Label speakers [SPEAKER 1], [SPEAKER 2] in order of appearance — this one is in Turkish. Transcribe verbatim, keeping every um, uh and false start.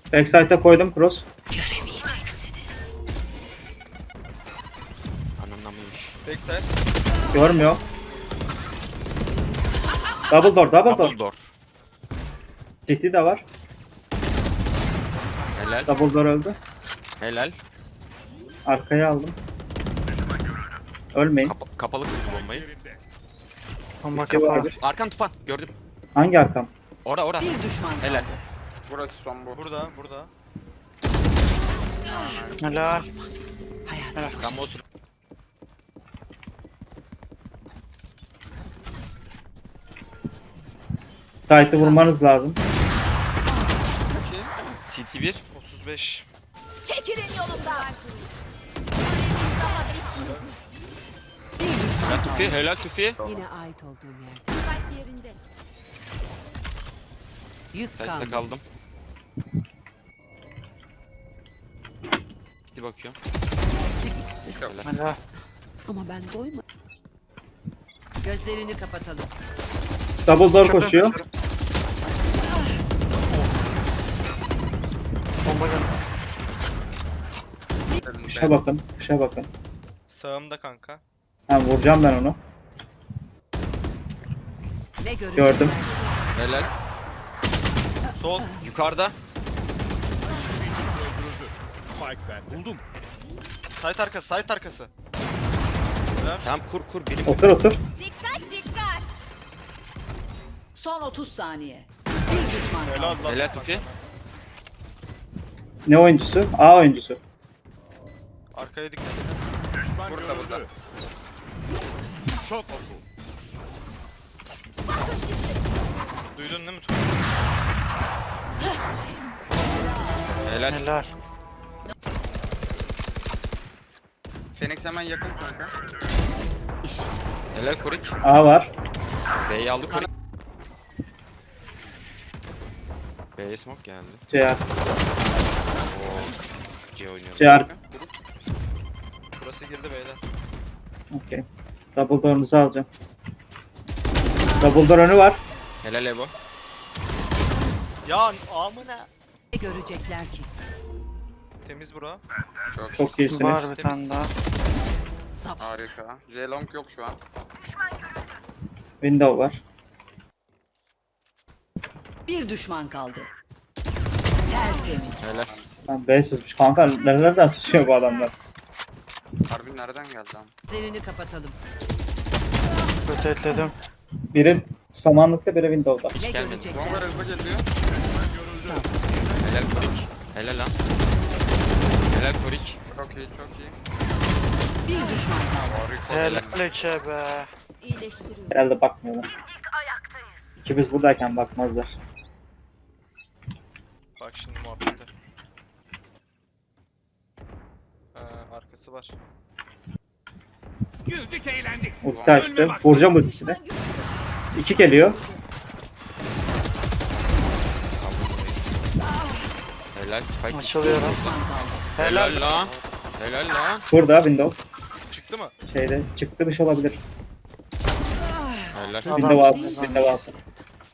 [SPEAKER 1] Backside'e koydum cross.
[SPEAKER 2] Göremeyeceksiniz.
[SPEAKER 3] Ananlamış.
[SPEAKER 4] Backside.
[SPEAKER 1] Görmüyor. Double door, double door.
[SPEAKER 3] Double door.
[SPEAKER 1] C T de var.
[SPEAKER 3] Helal.
[SPEAKER 1] Double door öldü.
[SPEAKER 3] Helal.
[SPEAKER 1] Arkaya aldım. Ölmeyin.
[SPEAKER 3] Kapa kapalı kırdı bombayı.
[SPEAKER 5] Bomba
[SPEAKER 1] C T
[SPEAKER 5] kapalı.
[SPEAKER 1] vardır.
[SPEAKER 3] Arkan tufan. Gördüm.
[SPEAKER 1] Hangi arkam?
[SPEAKER 3] Ora ora.
[SPEAKER 2] Bir düşman kaldı.
[SPEAKER 3] Helal.
[SPEAKER 6] Burası son bu.
[SPEAKER 4] Burada, burada.
[SPEAKER 5] Helal.
[SPEAKER 2] Hayat.
[SPEAKER 3] Gamma otur.
[SPEAKER 1] Sight'ı vurmanız lazım.
[SPEAKER 3] C T bir.
[SPEAKER 4] otuz beş.
[SPEAKER 7] Çekilin yolumdan.
[SPEAKER 2] Bir düşman
[SPEAKER 3] Helal
[SPEAKER 2] kaldı.
[SPEAKER 3] Tufi. Helal Tufi.
[SPEAKER 2] Yine ait olduğum yerde.
[SPEAKER 7] Fight yerinde.
[SPEAKER 2] Yük
[SPEAKER 3] Tekte
[SPEAKER 2] kaldı.
[SPEAKER 3] kaldım. Gitti bakıyorum. Helal.
[SPEAKER 5] Helal.
[SPEAKER 2] Ama ben doymadım. Gözlerini kapatalım.
[SPEAKER 1] Double door koşuyor.
[SPEAKER 5] Bomba geldi.
[SPEAKER 1] Kuşa bakın, kuşa bakın.
[SPEAKER 4] Sağımda kanka.
[SPEAKER 1] Ha, vuracağım ben onu.
[SPEAKER 2] Ne görüyorsun?
[SPEAKER 1] Gördüm.
[SPEAKER 3] Helal.
[SPEAKER 4] Sol.
[SPEAKER 3] Yukarıda.
[SPEAKER 8] Spike ben buldum.
[SPEAKER 4] Site arkası, site arkası.
[SPEAKER 3] Tamam kur kur. Birim.
[SPEAKER 1] Otur otur.
[SPEAKER 7] Dikkat dikkat.
[SPEAKER 2] Son otuz saniye. Bir düşman kaldı.
[SPEAKER 4] Helal lan.
[SPEAKER 3] Helal Tufi.
[SPEAKER 1] Ne oyuncusu? A oyuncusu.
[SPEAKER 4] Arkaya dikkat edin.
[SPEAKER 8] Düşman
[SPEAKER 6] Burada,
[SPEAKER 8] görüldü.
[SPEAKER 6] burada.
[SPEAKER 8] Çok oku.
[SPEAKER 4] Duydun değil mi Tufi?
[SPEAKER 3] Helal.
[SPEAKER 5] Helal.
[SPEAKER 6] Phoenix hemen yakın kanka.
[SPEAKER 2] İş.
[SPEAKER 3] Helal Korik.
[SPEAKER 1] A var.
[SPEAKER 3] B'yi aldı Korik. B'ye smoke geldi.
[SPEAKER 1] C R.
[SPEAKER 3] Oo. C oynuyor.
[SPEAKER 1] C R.
[SPEAKER 4] Burası girdi beyler.
[SPEAKER 1] Okey. Double door'unuzu alacağım. Double door önü var.
[SPEAKER 3] Helal Evo.
[SPEAKER 4] Ya amına.
[SPEAKER 2] Ne görecekler ki?
[SPEAKER 4] Temiz bura.
[SPEAKER 6] Çok,
[SPEAKER 1] Çok iyisiniz.
[SPEAKER 5] Var bir
[SPEAKER 4] Temiz.
[SPEAKER 5] tane daha.
[SPEAKER 2] Saf.
[SPEAKER 6] harika. J-Long yok şu an.
[SPEAKER 1] Window var.
[SPEAKER 2] Bir düşman kaldı. Tertemiz.
[SPEAKER 3] Helal.
[SPEAKER 1] Lan B sızmış. Kanka nerelerden sızıyor bu adamlar?
[SPEAKER 6] Harbi nereden geldi lan?
[SPEAKER 2] Gözlerini kapatalım.
[SPEAKER 5] Rotateledim.
[SPEAKER 1] Biri samanlıkta, biri window'da.
[SPEAKER 2] Ne
[SPEAKER 3] gelmedi.
[SPEAKER 2] görecekler?
[SPEAKER 6] Bomba hızlı geliyor.
[SPEAKER 3] Helal Korik. Helal lan. Helal Korik.
[SPEAKER 6] Çok iyi, çok iyi.
[SPEAKER 2] Bir düşman kaldı.
[SPEAKER 6] Harika.
[SPEAKER 5] Helal içe be.
[SPEAKER 7] İyileştiriyorum.
[SPEAKER 1] Herhalde bakmıyorlar. İkimiz buradayken bakmazlar.
[SPEAKER 4] Bak şimdi muhabbete. Ha, arkası var.
[SPEAKER 8] Güldük eğlendik.
[SPEAKER 1] Ulti açtı. Vuracağım ultisini. İki geliyor.
[SPEAKER 3] Helal Spike.
[SPEAKER 5] Açılıyorum.
[SPEAKER 2] Düşman kaldı.
[SPEAKER 3] Helal lan. Helal lan.
[SPEAKER 1] Burada window.
[SPEAKER 4] Çıktı mı?
[SPEAKER 1] Şeyde çıktı bir şey olabilir.
[SPEAKER 3] Helal.
[SPEAKER 2] Hızlı
[SPEAKER 1] Window
[SPEAKER 2] bir
[SPEAKER 1] altı.
[SPEAKER 2] şey.
[SPEAKER 1] Window altı.